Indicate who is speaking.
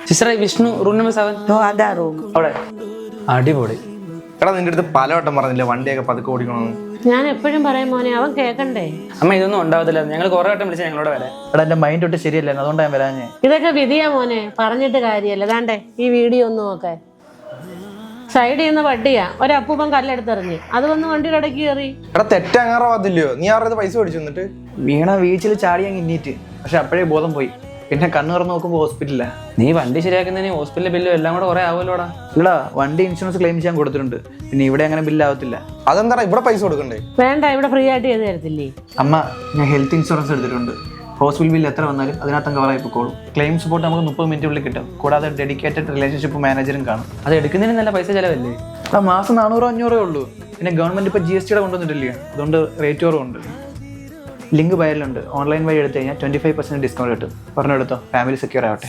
Speaker 1: സിസ്റ്ററെ Vishnu room number 7.
Speaker 2: അതാ room.
Speaker 1: അവിടെ അടിപൊളി.
Speaker 3: എടാ നിന്റെ അടുത്ത് പലവട്ടം പറഞ്ഞില്ലേ വണ്ടിയൊക്കെ പതുക്കെ ഓടിക്കണമെന്ന്.
Speaker 4: ഞാൻ എപ്പോഴും പറയും മോനെ, അവൻ കേൾക്കണ്ടേ.
Speaker 1: അമ്മ ഇതൊന്നും ഉണ്ടാവത്തില്ല, ഞങ്ങൾ കുറെ വട്ടം വിളിച്ചാൽ ഞങ്ങളോട് വരാം.
Speaker 5: എടാ എൻ്റെ മൈൻഡ് തൊട്ട് ശരിയല്ലായിരുന്നു, അതുകൊണ്ടാണ് ഞാൻ വരാഞ്ഞേ.
Speaker 4: ഇതൊക്കെ വിധിയാ മോനെ, പറഞ്ഞിട്ട് കാര്യമല്ല. ദാണ്ടേ ഈ വീഡിയോ ഒന്ന് നോക്കാൻ. സൈഡിൽ നിന്ന് വണ്ടിയാ, ഒരപ്പൂപ്പൻ കല്ലെടുത്തെറിഞ്ഞ് അത് വന്ന് വണ്ടിയുടെ ഇടയ്ക്ക് കയറി.
Speaker 3: എടാ തെറ്റങ്ങാറോ അതില്ലയോ, നീ അവരുടെ പൈസ മേടിച്ചു എന്നിട്ട്.
Speaker 5: വീണ വീഴ്ചയിൽ ചാടി അങ്ങ് ഇന്നീറ്റ്, പക്ഷെ അപ്പോഴേ ബോധം പോയി. പിന്നെ കണ്ണു തുറന്ന് നോക്കുമ്പോൾ ഹോസ്പിറ്റലില്ല.
Speaker 1: നീ വണ്ടി ശരിയാക്കുന്നതിന് ഹോസ്പിറ്റലിലെ ബില്ലും എല്ലാം കൂടെ കുറെ ആവുമല്ലോടാ.
Speaker 5: ഇല്ലടാ, വണ്ടി ഇൻഷുറൻസ് ക്ലെയിം ചെയ്യാൻ കൊടുത്തിട്ടുണ്ട്. പിന്നെ ഇവിടെ അങ്ങനെ ബില്ലാവത്തില്ല.
Speaker 3: അതെന്താ ഇവിടെ പൈസ കൊടുക്കണ്ടേ?
Speaker 4: വേണ്ട, ഇവിടെ ഫ്രീ ആയിട്ട് ചെയ്ത് തരത്തില്ലേ.
Speaker 5: അമ്മ, ഞാൻ ഹെൽത്ത് ഇൻഷുറൻസ് എടുത്തിട്ടുണ്ട്. ഹോസ്പിറ്റൽ ബില്ല് എത്ര വന്നാലും അതിനകത്ത് കവറായി പോയിക്കോളും. ക്ലെയിം സപ്പോർട്ട് നമുക്ക് 30 മിനിറ്റുള്ളിൽ കിട്ടും. കൂടാതെ ഡെഡിക്കേറ്റഡ് റിലേഷൻഷിപ്പ് മാനേജറും കാണും.
Speaker 1: അത് എടുക്കുന്നതിന് നല്ല പൈസ ചിലവല്ലേ?
Speaker 5: ആ മാസം 400-500 ഉള്ളൂ. പിന്നെ ഗവൺമെന്റ് ഇപ്പോൾ GST കൊണ്ടുവന്നിട്ടില്ലേ, അതുകൊണ്ട് റേറ്റ് കുറവുണ്ട്. ലിങ്ക് ബയറിലുണ്ട്. ഓൺലൈൻ വഴി എടുത്തു കഴിഞ്ഞാൽ 25% ഡിസ്കൗണ്ട് കിട്ടും. പറഞ്ഞെടുത്തോ, ഫാമിലി സെക്യൂർ ആവട്ടെ.